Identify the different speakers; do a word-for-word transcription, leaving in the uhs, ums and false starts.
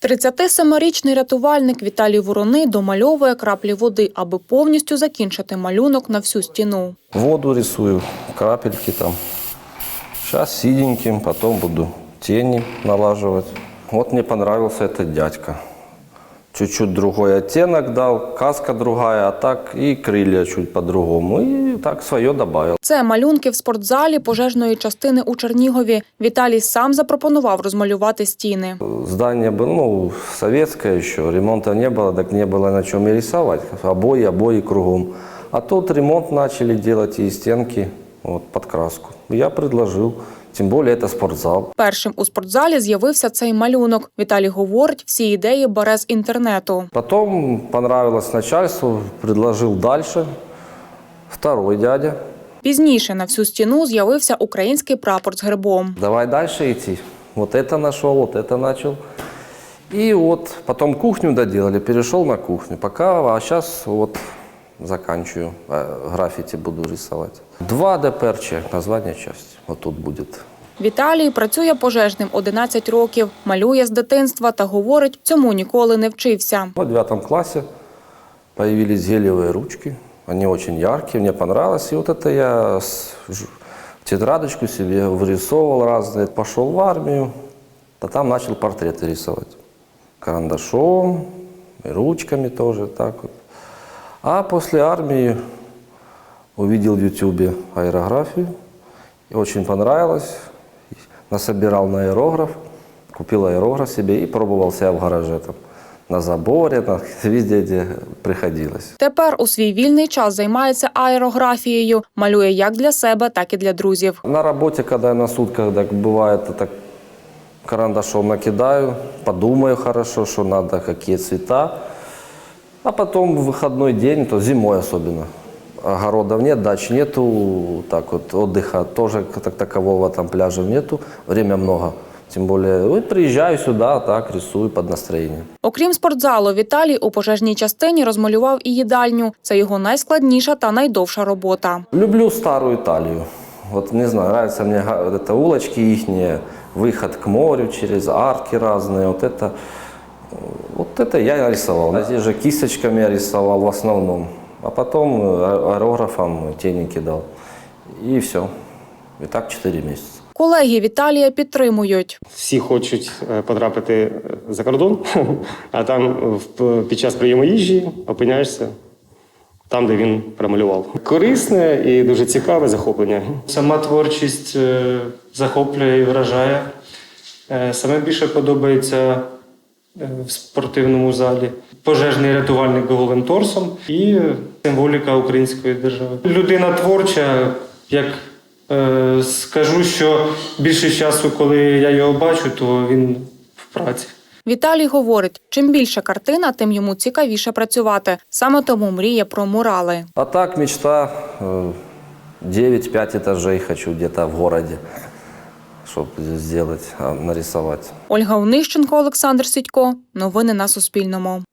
Speaker 1: тридцятисемирічний рятувальник Віталій Вороний домальовує краплі води, аби повністю закінчити малюнок на всю стіну.
Speaker 2: Воду рисую, крапельки там. Сейчас синеньким, потом буду тени налаживать. Вот мне понравился этот дядька. Чуть-чуть другой оттенок дал, каска другая, а так и крылья чуть по-другому. И так своє добавил.
Speaker 1: Це малюнки в спортзалі пожежної частини у Чернігові. Віталій сам запропонував розмалювати стіни.
Speaker 2: Здание было, ну, советское еще, ремонта не было, так не было на чем и рисовать. Обои, обои кругом. А тут ремонт начали делать и стенки вот, под краску. Я предложил. Тим більше це спортзал.
Speaker 1: Першим у спортзалі з'явився цей малюнок. Віталій говорить, всі ідеї бере з інтернету.
Speaker 2: Потім понравилось начальству, предложив далі. Второй дядя.
Speaker 1: Пізніше на всю стіну з'явився український прапор з гербом.
Speaker 2: Давай далі йти. Вот это нашел, вот это начал. И вот потом кухню доделали, перешел на кухню. Пока, а сейчас вот заканчиваю, граффити буду рисовать. два ДПРЧ, название части, вот тут будет.
Speaker 1: Віталій працює пожежним одинадцять років, малює з дитинства та говорить, цьому ніколи не вчився.
Speaker 2: В девятом классе появились гелевые ручки, они очень яркие, мне понравилось. И вот это я тетрадочку себе вырисовывал разные. Пошел в армию, а там начал портреты рисовать. Карандашом, и ручками тоже, так вот. А после армии увидел в ютубе аэрографию, и очень понравилось. Насобирал на аэрограф, купил аэрограф себе и пробовал себя в гараже там. На заборі, на везде, де приходилось.
Speaker 1: Тепер у свій вільний час займається аерографією. Малює як для себе, так і для друзів.
Speaker 2: На роботі, коли я на сутках, так буває, так карандашом накидаю, подумаю хорошо, що треба, які цвета. А потім в вихідний день, то зимою особливо. Огородов нет, дач нету, так вот, отдыха тоже так такового, там пляжа нету, время много. Тем более, вот приезжаю сюда, так, рисую под настроение.
Speaker 1: Окрім спортзалу, Віталій у пожежній частині розмалював і їдальню. Це його найскладніша та найдовша робота.
Speaker 2: Люблю старую Италию. Вот, не знаю, нравятся мне вот это улочки ихние, выход к морю через арки разные, вот это, вот это я нарисовал. Здесь же кисточками я рисовал в основном. А потом аэрографом тени кидал. І все. І так чотири місяці.
Speaker 1: Колеги Віталія підтримують.
Speaker 3: Всі хочуть потрапити за кордон, а там під час прийому їжі опиняєшся там, де він промалював. Корисне і дуже цікаве захоплення.
Speaker 4: Сама творчість захоплює і вражає. Саме більше подобається в спортивному залі пожежний рятувальник голим торсом і символіка української держави. Людина творча, як е, скажу, що більше часу, коли я його бачу, то він в праці.
Speaker 1: Віталій говорить, чим більше картина, тим йому цікавіше працювати. Саме тому мріє про мурали.
Speaker 2: А так мечта девять-пять этажей хочу где-то в городе, щоб зробити, нарисувати.
Speaker 1: Ольга Онищенко, Олександр Сідько. Новини на Суспільному.